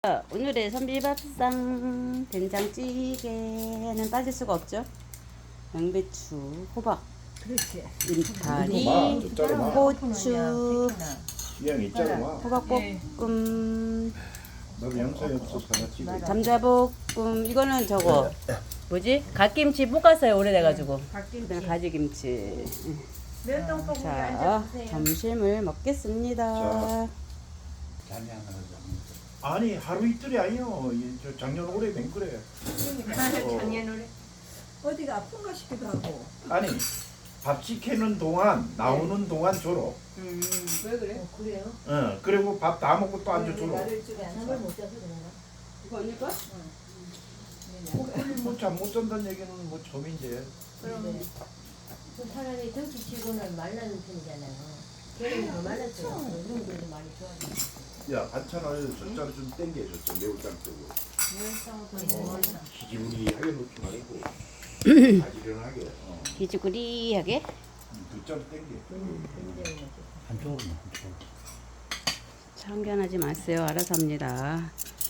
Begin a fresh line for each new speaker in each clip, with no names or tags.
오늘의 선비밥상 된장찌개는 빠질 수가 없죠. 양배추, 호박,
그렇지.
인파리, 고추,
이양 있잖아.
호박볶음,
너 영상이 없어서 하나 찍어.
감자볶음. 이거는 저거 뭐지? 갓김치 볶았어요. 오래돼가지고. 그냥 가지김치.
면동포구에
자,
앉아주세요.
점심을 먹겠습니다.
아니 하루 이틀이 아니요. 저 작년 올해 맹 그래.
작년에 어디가 아픈가 싶기도 하고.
아니 밥 시키는 동안 나오는 동안 줘로.
왜 그래? 그래요?
그리고 밥 다 먹고 또 앉아 줘로.
나를 쪽에 안 하고 못 자서 그런가?
이거 언니가?
뭐잠 못 잔다는 얘기는 뭐 처음인데.
그럼
차라리 덩치치고는 말라는 편이잖아요. 걔는 더 말랐어요. 운동도 많이 좋아하죠.
야 반찬을 젓자로 좀 땡겨줬어. 매울장 쪽으로. 기지무리하게 놓지 말고 가지런하게.
기지구리하게.
두 자로 땡겨.
한쪽으로만.
참견하지 마세요. 알아서 합니다.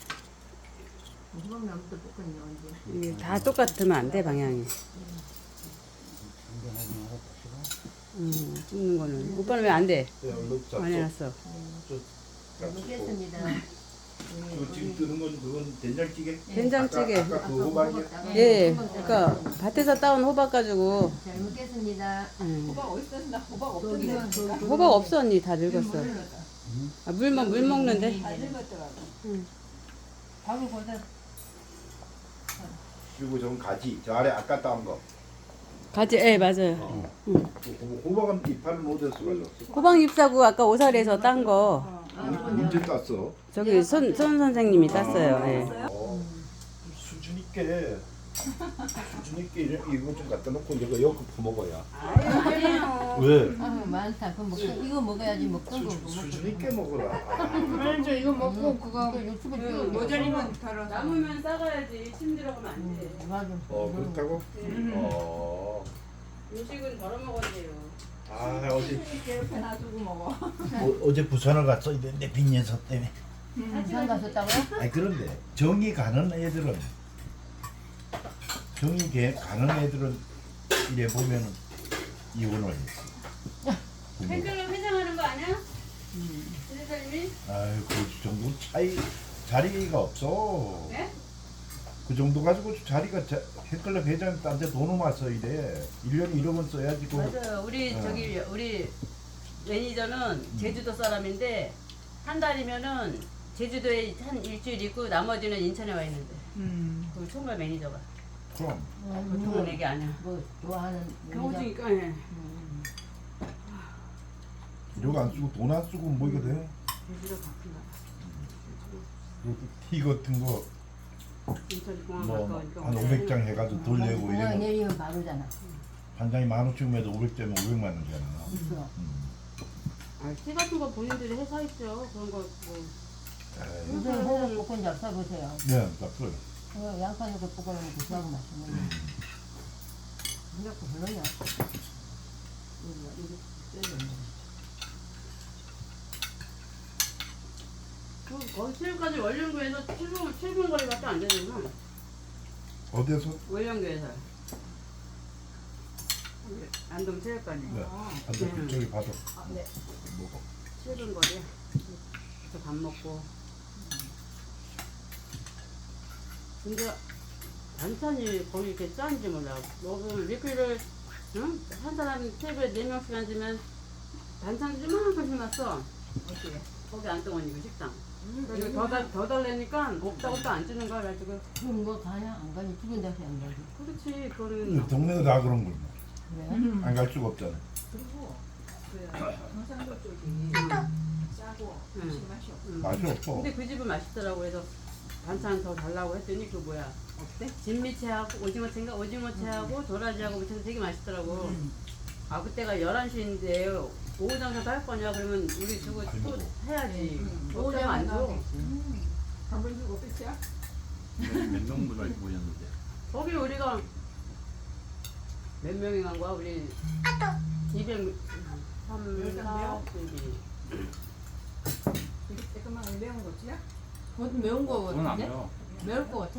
호박나무도 볶았냐 언제?
이게 다 똑같으면 안 돼, 방향이. 찍는 거는. 오빠는 왜 안 돼? 안 해놨어.
잘 먹겠습니다.
그 지금 뜨는 건 그건 된장찌개?
된장찌개.
아까 그 호박이야?
예, 그러니까 밭에서 따온 호박 가지고.
잘 먹겠습니다.
호박 어디 있었나? 호박 없던데.
호박 없어 언니 다 늙었어. 아, 물 먹는데.
다 늙었더라고.
밥을 보다
그리고 저 가지 저 아래 아까 따온 거.
가지, 예 맞아요.
호박은 이파를 못해서 가져왔어.
호박 잎사구 아까 오사리에서 딴 거
언제 땄어?
저기 손 선생님이 땄어요. 예.
수준 있게 이거 좀 갖다 놓고 내가 이거 퍼먹어야. 왜?
아 많다. 그럼 이거 먹어야지 먹던 거.
수준 있게 먹어라.
먼저 이거 먹고 그거
유튜브
모자리만 털어서.
남으면 싸가야지. 침 들어가면 안 돼.
맞아.
그렇다고?
음식은 덜어 먹어야돼요.
어제
이렇게 놔두고 먹어.
어제 부산을 갔어. 내 빈년서 때문에.
부산 가셨다고요?
아니 그런데 정이 가는 애들은 가는 애들은 이래 보면은 이혼을 했어.
팬클럽 회장하는 거 아니야? 선생님이?
아유 그 정도 차이 자리가 없어.
네?
그 정도 가지고 자리가 팬클럽 회장 딴데 돈을 맞서 이래. 1년에 1억 원 써야지.
맞아요. 우리 매니저는 제주도 사람인데 한 달이면은 제주도에 한 일주일 있고 나머지는 인천에 와 있는데. 그 총괄 매니저가.
그럼.
보통은 얘기 아니야.
뭐 좋아하는
경호중이니까. 예.
1억 안 쓰고 돈 안 쓰고 뭐 이거 돼?
제주도 바쁜가.
그리고 티 같은 거
인천 공항
뭐
가까우니까.
한 500장 해가지고 돈 내고
공항
이러면
내리면 바로잖아.
한 장이 15,000원에도 500장이면 500만 원이잖아.
그래서
티 같은 거 본인들이 해서 있죠. 그런 거 뭐.
요새 호박 볶은 잡사 보세요.
네, 딱그
양파 넣고 볶아놓으면 고소하고 맛있네. 생각도 별로냐?
거기 체육까지 월령교에서 7분 거리밖에 안 되는구나.
어디에서?
월령교에서. 안동 체육관이.
네. 한대 그쪽이 봐도
네.
먹어.
7분 거리야. 그래서 밥 먹고. 근데 반찬이 거기 이렇게 짠지 몰라. 먹으면 리필을 응? 한 사람 테이블에 4명씩 앉으면 반찬이 이만큼씩 났어.
어떻게?
거기 안동원이고 식당. 이거 더 달래니까 없다고 또 안 주는 거야. 그래가지고
그럼 뭐 가냐? 안 가니? 죽은 데서 안 가지.
그렇지. 그거는
동네가 다 그런 걸.
그래?
안 갈 수가 없잖아.
그리고 그 경상도 쪽이 짜고
응.
맛이 없어.
맛이 없어.
근데 그 집은 맛있더라고. 그래서 반찬 더 달라고 했더니 그 뭐야
어때?
진미채하고 오징어채인가? 오징어채하고 도라지하고 무쳐서 되게 맛있더라고. 아 그때가 11시인데 오후 장사도 할 거냐 그러면 우리 주고 또 해야지. 오후 장사 안 줘.
밥을 주고 끝이야?
몇 명분을 모였는데.
거기 우리가 몇 명이 간 거야? 우리 200 3, 4, 2
이게 조그만 매운 거지야? 그것도 매운 거
그건 안
같은데?
매워.
매울 거 같아.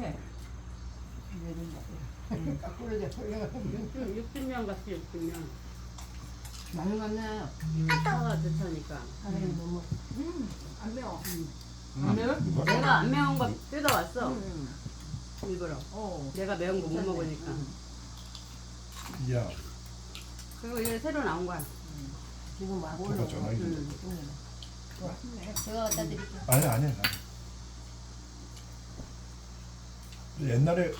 까꾸르게 훌륭한
60명 같이 60명.
많이 갔네.
차가 좋다니까.
하나님 너무
안 매워.
음.
안 매워?
내가 안 매운 거 뜯어왔어.
음.
일부러.
어.
내가 매운 거 못
괜찮네.
먹으니까.
야,
그리고 이게 새로 나온 거야.
지금 막
누가
올라오고
전화기 좀.
맛있네.
제가 갖다 드릴게요.
아니. 옛날에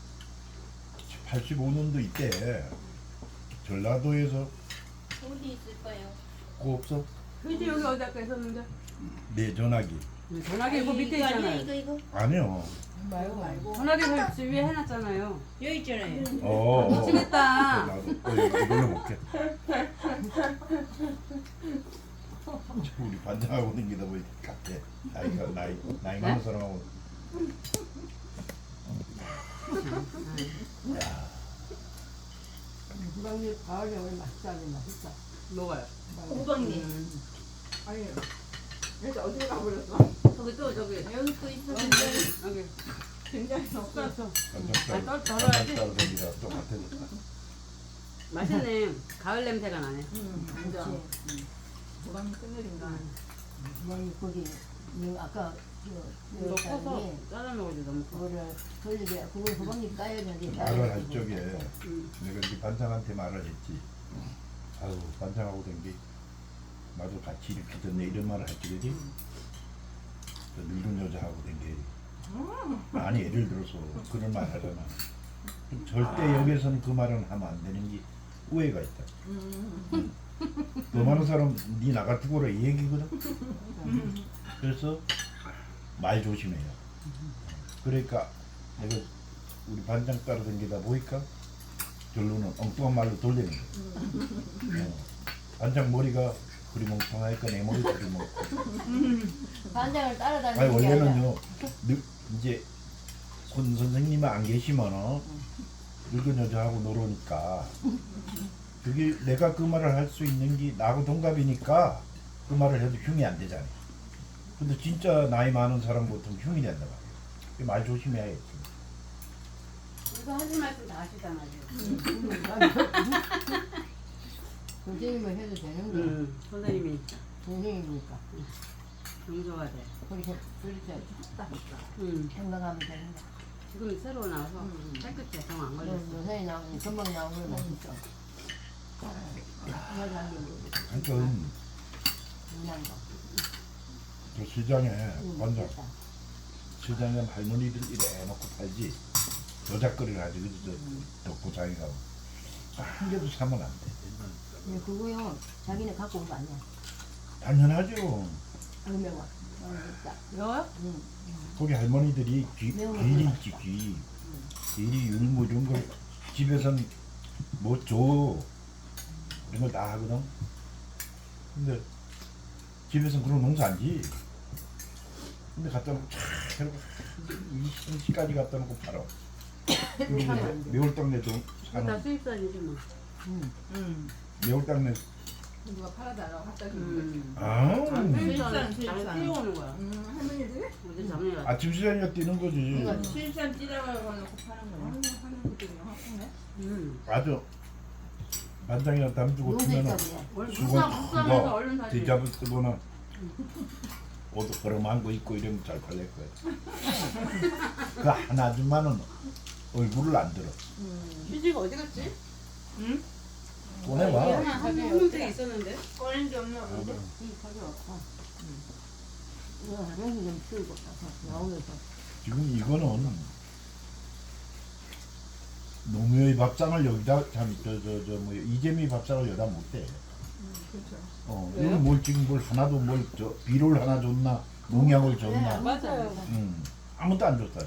85년도 이때 전라도에서
어디 있을까요?
그거 없어?
그지 여기 어디 아까 있었는데?
네 전화기.
전화기 이거 밑에 있잖아요.
이거
아니요.
말고.
전화기 설치 위에 해놨잖아요.
여기 있잖아요.
미치겠다.
나도 이걸로 볼게. 우리 반장하고 다니다 보니까 같아. 나이 많은 사람하고.
구방잎 가을에 오늘 맛있다니 맛있다.
먹어요.
구방잎.
아니. 그래서 어디로 가버렸어?
저기 또 저기
여기 또 있었는데.
여기
굉장히 없어.
떴어.
반장
덜어야지.
따라다니다 좀 같아졌다.
맛있네. 가을 냄새가 나네.
완전. 도감 끝내린다.
구방잎 거기 이 아까
이거
그
커서
사람이
잘라 먹어도 너무 커.
그거를 돌리게 그걸 구방잎 따야 되는데
말을 할 적에
음.
내가 이제 반장한테 말을 했지. 아유 반장하고 된 게 나도 같이 이렇게 됐네 이런 말을 할 적이지. 저 늙은 여자하고 된 게 아니 예를 들어서 그런 말 하잖아. 절대 여기서는 그 말은 하면 안 되는 게 오해가 있다. 더 많은 사람 네 나가 죽어라 이 얘기거든. 그래서 말 조심해요. 그러니까 내가 우리 반장 따라 댕기다 보니까 결론은 엉뚱한 말로 돌리는 거야. 반장 머리가 그리 멍청하니까 내 머리도 그리 멍청.
반장을
아니
따라다니는 게 아니라
원래는요 이제 손 선생님이 안 계시면 늙은 여자하고 놀으니까 그게 내가 그 말을 할 수 있는 게 나하고 동갑이니까 그 말을 해도 흉이 안 되잖아. 근데 진짜 나이 많은 사람 보통 흉이 된다 말이야. 말 조심해야겠지.
이거 하지 말고 다 하시잖아 지금.
선생님을 해도 되는데
선생님이
선생님이니까
용서가 돼.
그렇게 생각하면 되는데
지금 새로 나와서 깨끗해. 정 안 걸렸어.
요새 나오는 금방 나오는 맛있어. 여자한 게 모르겠어.
하여튼
유난 거.
그 시장에 반장
됐다.
시장에 할머니들 이래 놓고 팔지. 여자거리를 하지 그지 덕구장에 가면 한 개도 사면 안 돼.
근데 그거요 자기네 갖고 온 거 아니야.
당연하죠.
안 매워. 됐다.
매워요?
응.
거기 할머니들이
매운
귀리
거
있지 귀. 귀리 율무 이런 걸 집에선 뭐 줘. 이런 걸 다 하거든. 근데 집에선 그런 농사 안 지. 근데 갖다 놓고 촥 해놓고 이 시까지 갖다 놓고 팔아. 그리고 이제 매울당 내도
다
사는
수입산이지 뭐.
매울당 내.
누가 팔아달라고 갖다 주는 거지.
아,
수입산 뛰어오는 거야.
할머니들이?
어제 작년에
아침 시장에 뛰는 거지.
이거
실산 찌라고 놓고 파는 거야. 할머니들이 하네.
아주 반장이나 담주고
농사
주면은
있다 그래.
원래
수건
국산에서
그거
얼른 사지.
뒤잡을 쓰거나 옷도 걸어만 거 입고 이러면 잘 팔릴 거야. 그 한 아줌마는 얼굴을 안 들어.
휴지가 어디 갔지?
꺼내봐.
한 명들이 있었는데.
꺼낸 게 없나 본데?
이 가져왔고. 이거 화장실 좀 치우고 나오면서.
지금 이거는 노무현의 밥상을 여기다 뭐 이재미 밥상을 여기다 못 대.
그렇죠.
이건 뭘 지금 뭘 하나도 뭘 비료를 하나 줬나 농약을 줬나.
맞아요.
아무것도 안 줬다.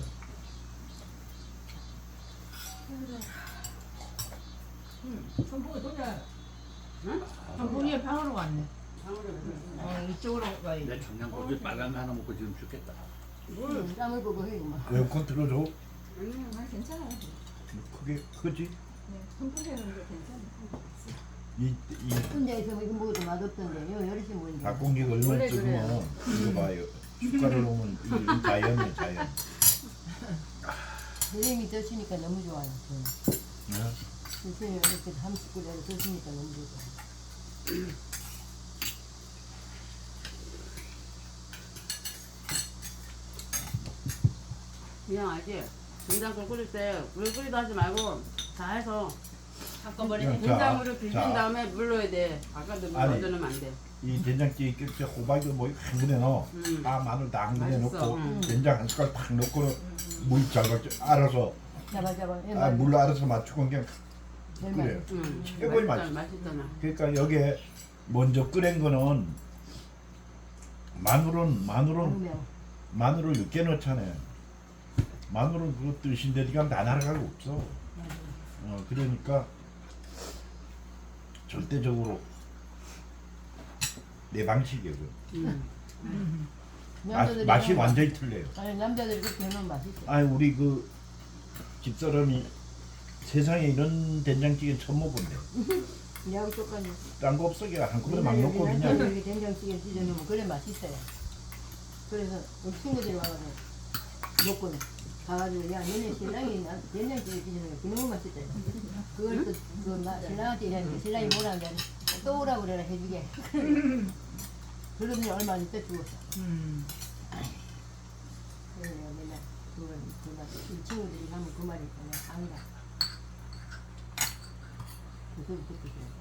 선풍기 돌려.
응?
선풍기 방으로 갔네.
방으로
이쪽으로 가야지.
내 청양고기 빨간 거 하나 먹고 지금 죽겠다.
땀을 보고 해 막.
에어컨 틀어줘.
괜찮아요.
크게 크지?
네, 선풍기는 게 괜찮아.
이
혼자서 이거 먹어도 맛없던데 요 열심히 먹는데.
닭공기가 얼마나
원래
뜨거워. 이거 봐요. 숟가락을 놓으면 이 자연이에요 자연.
선생님이 드시니까 너무 좋아요. 저는.
네?
선생님이 이렇게 한 숟가락을 드시니까 너무 좋아요.
그냥 알지? 된장국 끓일 때 물 끓이다 하지 말고 다 해서
한꺼번에
자,
된장으로 비빈
자.
다음에 물 넣어야 돼. 아까도 물
아니.
넣어주면 안 돼.
이 된장찌개 끓일 때 호박을 뭐한 근에 넣어. 다 마늘 다 한 근에
맛있어.
넣고 된장 한 숟갈 팍 넣고 물 잘가 알아서
잡아. 예,
물 알아서 맞추고 그냥
제일
그래요.
맛있어.
최고의
맛있잖아.
그러니까 여기에 먼저 끓인 거는 마늘은
매워.
마늘을 늦게 넣잖아요. 마늘은 그거 뜻인데 니가 다 날아가고 없어. 그러니까 절대적으로 내 방식이에요. 맛이 완전히 틀려요.
아니 남자들이 그렇게 해놓으면 맛있어.
아니 우리 그 집사람이 세상에 이런 된장찌개 처음 먹었네.
야구 똑같네.
딴 거 없어 그냥 한꺼번에 막 넣고 그냥.
이렇게 된장찌개 찢어 놓으면 그래 맛있어요. 그래서 우리 친구들이 와가지고 먹고 가가지고 야 너네 신랑이 된장찌개 찢어 놓으면 그놈의 맛있다. 그걸 또 신랑한테 이랬는데 신랑이 뭐라 하는데 또 오라고 그래라 해주게. 그러더니 얼마 안 있다 죽었어. 그래 맨날 이 친구들이 하면 그 말이 있잖아. 아니다. 그 소리 듣고 그래.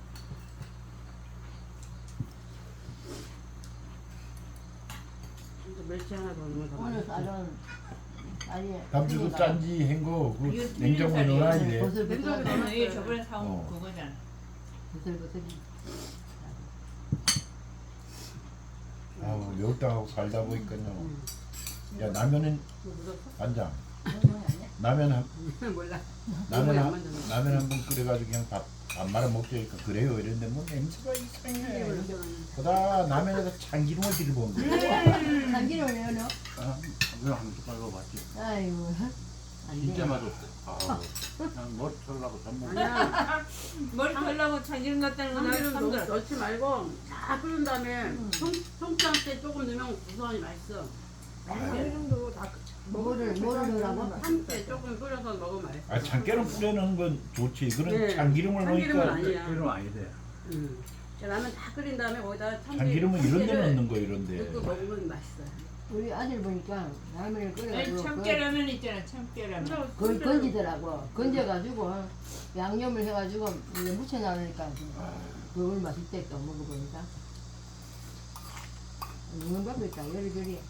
멸치 하나 더 넣으면 더
오늘
맛있어.
쌀은 아니
담주도 짠지 헹거 그 냉장고에 넣어놔야 돼.
버슬버슬
이게 저번에 사온
어.
그거잖아.
버슬버슬이.
아우 매울당하고 살다 보니까요. 야 라면은 간장. 라면 한
몰라.
라면 한 번 끓여가지고 그냥 밥 말아 먹자니까 그래요 이랬는데 뭐 냄새가 이상해. 보다 라면에다 참기름을 들이부은 거야.
참기름을 왜 넣어?
그냥 한 숟갈 넣어봤지.
아이고 안
진짜
돼.
맛없어. 아우, 그냥 머리 털라고 전 먹어.
아니야.
머리 털라고 참기름 넣었다는 건
참기름
처음 들어.
넣지 말고 다 끓인 다음에 통장 때 조금 넣으면 구수하니 맛있어. 참기름도 다
뭐를 넣으라고?
한때 조금 끓여서 먹으면 맛있어.
아 참깨를 뿌려놓은 건 좋지. 그런
네.
참기름을
참기름은
넣으니까
아니야.
이런 아니 돼.
라면 다 끓인 다음에 거기다
참기름은 이런 데 넣는 거 이런데.
넣고 먹으면 맛있어요.
우리 아들 보니까 라면을 끓여가지고
참깨라면 있잖아. 참깨라면.
그걸 건지더라고. 건져가지고 양념을 해가지고 이제 묻혀놔니까 그걸 맛있대 또 먹어보니까. 먹는 법이 있다. 요리조리.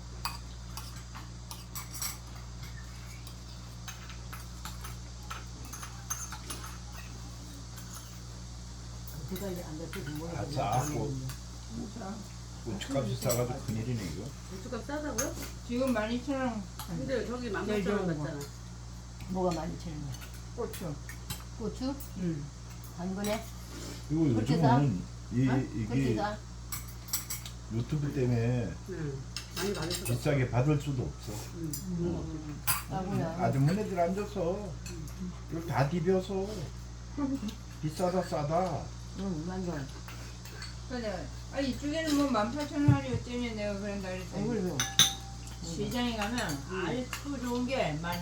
제가 이제 안 됐어도 뭐야.
아, 싸고. 고춧값이 싸가지고 큰일이네 이거.
고추값 싸다고요?
지금 12,000원.
근데 저기
제일 좋은
18,000원
거.
같잖아.
뭐가 많이 치는 거야?
고추.
고추? 한 번에?
그리고
그렇게 싸?
요즘은
그렇게
이게
다
유튜브 때문에
많이 받을 수가 없어.
비싸게 받을 수도 없어.
싸구나.
아주머니들 앉아서 이걸 다 디벼서 비싸다 싸다.
응, 완전.
그래. 아 이쪽에는 뭐 18,000원이 어쩌냐 내가 그런다 그랬더니
얼굴 좀.
시장에 가면 아주 좋은 게 12,000원.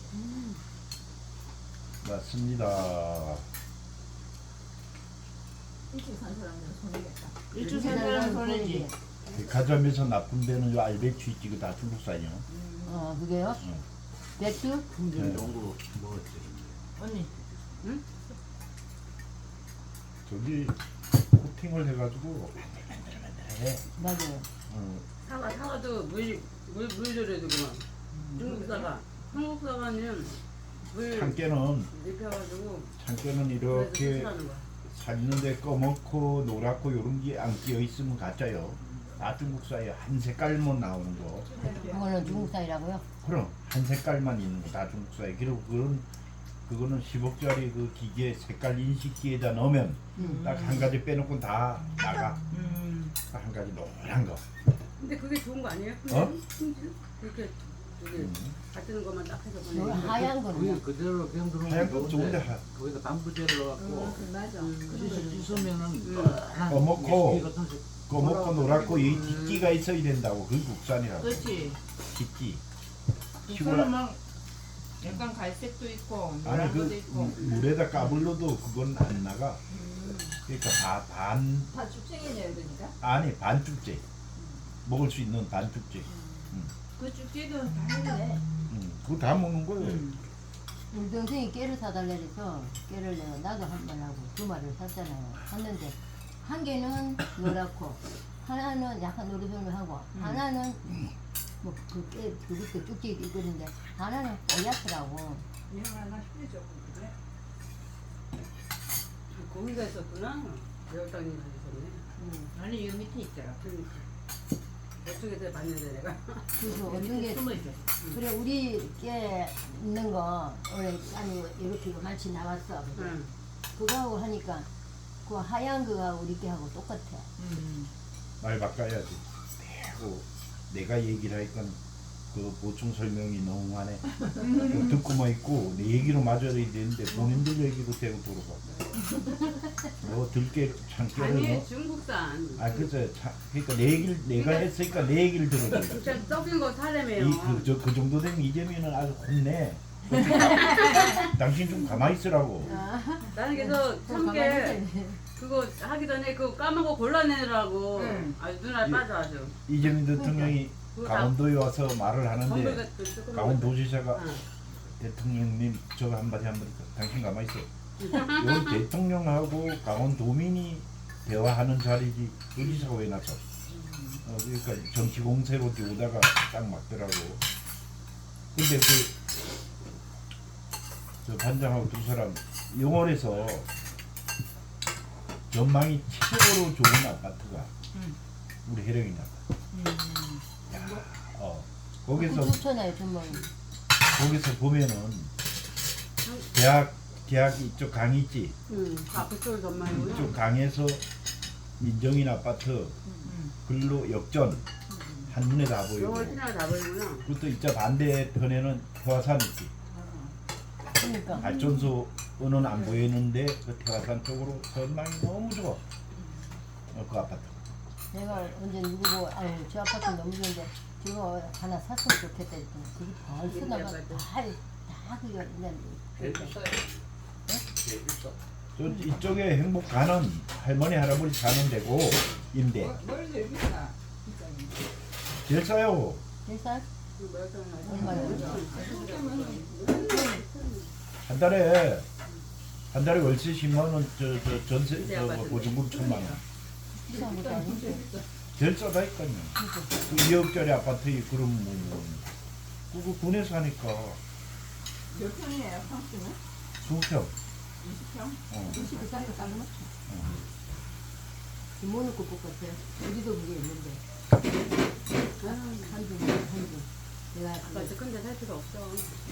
맞습니다.
일찍 산 사람들은 손해겠다.
일주일
일찍 산 사람은 손해지.
가자미에서 나쁜 데는 요 알배추 있지 그거 다 중국산이요.
그게요?
응.
배추?
풍경 정도 먹었지.
언니.
저기 코팅을 해가지고 만들해.
맞아요.
사과도 물 줘야 되구만. 중국 사과. 한국 사과는 물
참깨는
입혀가지고
참깨는
그래서
이렇게
수술하는 거야.
샀는데 꺼먹고 노랗고 요런 게 안 끼어 있으면 가짜요. 다 중국산이에요. 한 색깔만 나오는 거.
그거는 중국산이라고요?
그럼 한 색깔만 있는 거 다 중국산이에요. 그리고 그거는 10억짜리 그 기계 색깔 인식기에다 넣으면 딱 한 가지 빼놓고 다 나가. 딱 한 가지 노란 거.
근데 그게 좋은 거 아니에요?
어?
그렇게 같은 것만 딱 해서
여기
보내는 거.
하얀
그게
거는
그대로 그냥 들어오면
하얀 거 좋은데
거기다 방부제를 넣어갖고
맞아.
씻으면은
꺼먹고
같은
꺼먹고 놀았고 이 뒷기가 있어야 된다고. 그게 국산이라고.
그렇지.
뒷기.
국산은 막 약간 갈색도 있고
아니
노란
그
것도 있고.
물에다 까불러도 그건 안 나가. 그러니까 반
다 죽쟁이네요, 그러니까.
아니 반죽제. 먹을 수 있는 반죽제.
그 죽지도 다 했네.
그거 다 먹는 거예요.
우리 동생이 깨를 사달라 해서 깨를 내가 나도 한 번 하고 두 마리를 샀잖아요. 샀는데 한 개는 노랗고 하나는 약간 노릇노릇하고 하나는 뭐 그 깨 그것도 쭉쭉 있거든데 하나는 뽀얗더라고.
이거 하나 휴대죠, 그래.
거기가 있었구나. 매울당이 있었네.
아니 이 밑에 있더라.
그러니까. 저쪽에서 봤는데 내가.
그래서 어떤 게
숨어 있어.
그래 우리 깨 있는 거 원래 아니 이렇게 많이 나왔어.
응.
그거하고 하니까 그 하얀 거하고 우리 깨하고 똑같아.
말 바꿔야지. 대고 내가 얘기를 하니까 그 보충 설명이 너무 많네. 듣고만 있고 내 얘기로 맞아야 되는데 본인들 얘기로 대고 돌아가. 뭐 들깨 참깨를
아니
뭐.
중국산.
아 그죠. 그러니까 내 얘기를 내가 했으니까 내 얘기를 들어줘.
진짜 썩인 거 사려매요.
그 정도 되면 이재민은 아주 혼내. 당신 좀 가만히 있으라고.
나는 그래서 참깨 그거 하기 전에 그거 까만 거 골라내느라고
응.
아주 눈알 빠져 아주.
이재민 대통령이
그거 다
강원도에 와서 말을
건물
하는데
같은 조그만 거.
강원도지사가
응.
대통령님 저거 한마디 당신 가만히 있어. 여기 대통령하고 강원도민이 대화하는 자리지 도지사가 왜 나서? 그러니까 정치 공세로 오다가 딱 맞더라고. 근데 저 반장하고 두 사람 영월에서 전망이 최고로 좋은 아파트가 우리 혜령이 아파트. 거기서
좋잖아요 정말.
거기서 보면은 대학 이쪽 강 있지.
응. 앞에 쪽 전망이구나.
이쪽 강에서 민정인 아파트 글로 역전 한눈에 다 보이고.
영월 피나 다 보이구나.
그것도 이쪽 반대편에는 태화산 있지.
그러니까
발전소는 안 보이는데 그 태화산 쪽으로 전망이 너무 좋아. 그 아파트.
내가 언제 누구 보고 아유 저 아파트 너무 좋은데 저거 하나 샀으면 좋겠다 했더니 그게 벌써 나가 다 그거 그냥
제일 비싸요. 제일 비싸.
저 이쪽에 행복 가는 할머니 할아버지 사는 데고 임대.
뭘 제일 비싸? 비싸니.
제일 싸요.
일산
그 매울당
얼마예요?
한 달에 월세 10만 원, 저 전세 보증금 1,000만 원.
비싼 것도 아닌데.
제일 싸다니까요. 그 2억짜리 아파트에 그럼 그거 군에서 하니까
몇 평이에요, 평수는?
2평.
20평?
20 비싼 거 싸는 거죠. 김모는 것 같아. 우리도 그게 있는데. 한주. 내가
아까 큰데 살 필요 없어.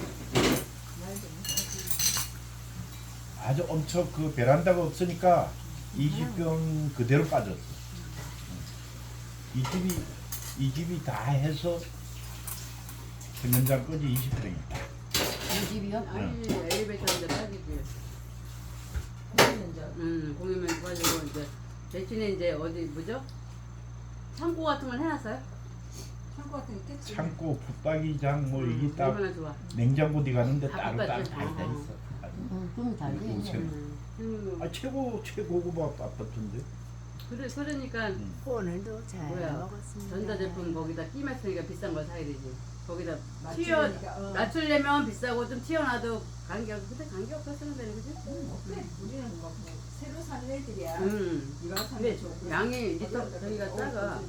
아주 엄청 그 베란다가 없으니까 20평 그대로 빠졌어. 이 집이 다 해서 세면장까지 20평이다.
이 집이요?
아니 엘리베이터인데 빠지지. 공유면 빠지고 이제 대신에 이제 어디 뭐죠? 창고 같은 걸 해놨어요?
창고 같은 게 있겠지.
창고, 붙박이장 뭐 이게 딱
얼마나 좋아.
냉장고 디 가는데
다
따로
붙박이.
다 있어.
좀 달리
요새.
있네.
아 최고급 아파트인데.
그러니까
오늘도 잘
뭐야,
먹었습니다.
전자제품 거기다 끼መስ으니까 비싼 걸 사야 되지. 거기다
맞추니까,
낮추려면 비싸고 좀 튀어나도 관계없어. 근데 관계없어 쓰는 데는 그지?
그래, 우리는 뭐 새로 사는 애들이야. 이거 사는
근데
게 좋고.
양이 리터 저기가 작아.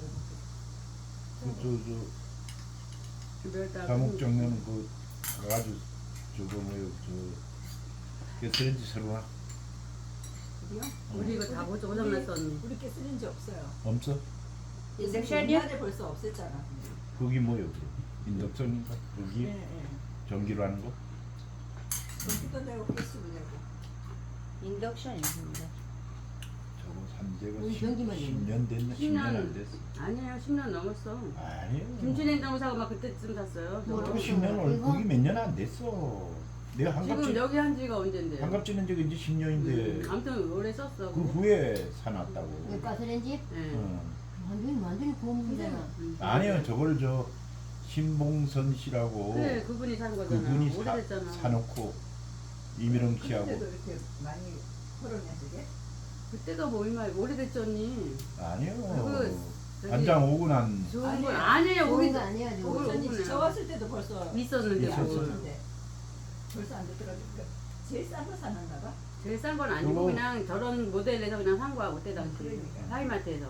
저 자목정면 그 가가지고 저거 뭐요 저 쓰렌지 새로나
우리 이거 다 고장났어 언니.
우리 게 쓰는 지 없어요.
없어?
인덕션이야?
옛날에 벌써 없앴잖아.
거기 뭐요? 인덕션인가? 거기
예.
전기로 하는 거?
컴퓨터 되고 PC도 되고.
인덕션 있습니다.
저거 산지가
우리 전기만
10년 됐나? 10년 안 됐어.
아니에요 10년 넘었어.
아니요.
김치냉장고 사고 막 그때쯤 샀어요. 저거.
그 10년 거기 몇 년 안 됐어. 내가
지금
한갑지
여기 한 지가 언젠데?
한갑지는 저기 이제 10년인데
아무튼 오래 썼어.
그 후에 사놨다고.
이 가스레인지?
예.
어.
완전히 고문이잖아.
아니요, 저걸 저 신봉선 씨라고
그래 그분이 산 거잖아.
그분이
오래됐잖아.
사놓고 이미령 씨하고
그때도 이렇게 많이 털었냐 그게?
그때가 뭐 얼마 오래됐죠 언니.
아니요.
저기
반장 오고 난
좋은 건 아니에요.
좋은
우리
거 아니야 지금.
그걸
전이
오구나.
저 왔을 때도 벌써
있었는데
있었어.
뭘.
있었는데 벌써 안 되더라고. 그러니까 제일 싼 거 사놨나 봐.
제일 싼 건 아니고
그거-
그냥 저런 모델에서 그냥 산 거야 그때 당시
그러니까.
하이마트에서.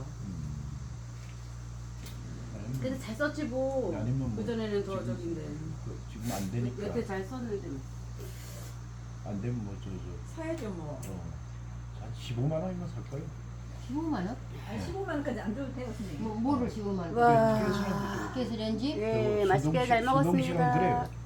아니면
근데 잘 썼지 뭐.
아니면 뭐
그 전에는 더
지금-
저긴데.
지금 안 되니까
여태 잘 썼는데.
안 되면 뭐 저
사야죠 뭐.
한 15만 원이면 살 거예요.
15만 원?
아니 15만 원까지 안 줘도 돼요 선생님.
뭐를 15만 원?
와.
가스레인지?
예, 맛있게 잘 먹었습니다.
그래요.